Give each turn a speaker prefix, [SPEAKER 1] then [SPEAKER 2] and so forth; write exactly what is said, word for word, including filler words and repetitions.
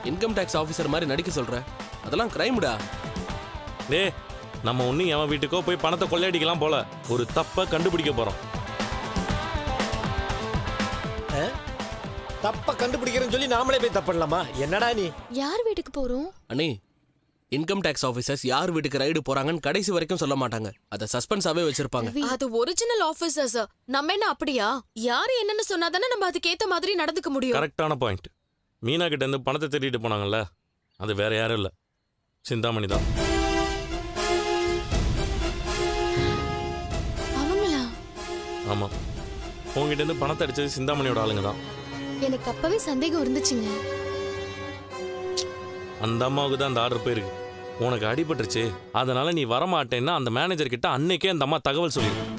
[SPEAKER 1] Income tax officer மாதிரி நடிக்க சொல்ற? அதெல்லாம் கிரைம்டா.
[SPEAKER 2] டே, நம்ம ஒன்னும் எவன் வீட்டுக்கோ போய் பணத்தை கொள்ளையடிக்கலாம் போல. ஒரு தப்ப கண்டுபிடிக்க போறோம்.
[SPEAKER 3] தப்ப கண்டுபிடிக்கிறேன்னு சொல்லி நாமளே போய் தப்பிடலாமா? என்னடா நீ?
[SPEAKER 4] யார் வீட்டுக்கு போறோம்?
[SPEAKER 1] அண்ணே, இன்கம் டேக்ஸ் ஆஃபீஸர்ஸ் யார் வீட்டுக்கு ரைடு போறாங்கன்னு கடைசி வரைக்கும் சொல்ல மாட்டாங்க. அதை சஸ்பென்ஸாவே வச்சிருப்பாங்க.
[SPEAKER 4] அது ஒரிஜினல் ஆபீசர்ஸ். நம்ம என்ன அப்படியா? யாரு என்னன்னு சொன்னாதானே நம்ம அதுக்கேத்த மாதிரி நடந்துக்க முடியும்.
[SPEAKER 2] கரெக்டான பாயிண்ட். மீனா கிட்ட இருந்து பணத்தை திருடிட்டு போனாங்கல்ல, அது வேற யாரும் இல்ல, சிந்தாமணி தான்.
[SPEAKER 4] அவங்களா?
[SPEAKER 2] ஆமா, உங்ககிட்ட இருந்து பணத்தை அடிச்சது சிந்தாமணியோட ஆளுங்க தான்.
[SPEAKER 4] எனக்கு அப்பவே சந்தேகம் இருந்துச்சுங்க.
[SPEAKER 2] அந்த அம்மாவுக்கு தான் அந்த ஆர்டர் போயிருக்கு. உனக்கு அடிபட்டுருச்சு, அதனால நீ வரமாட்டேன்னா அந்த மேனேஜர் கிட்ட அன்னைக்கே அந்த அம்மா தகவல் சொல்லிருக்கு.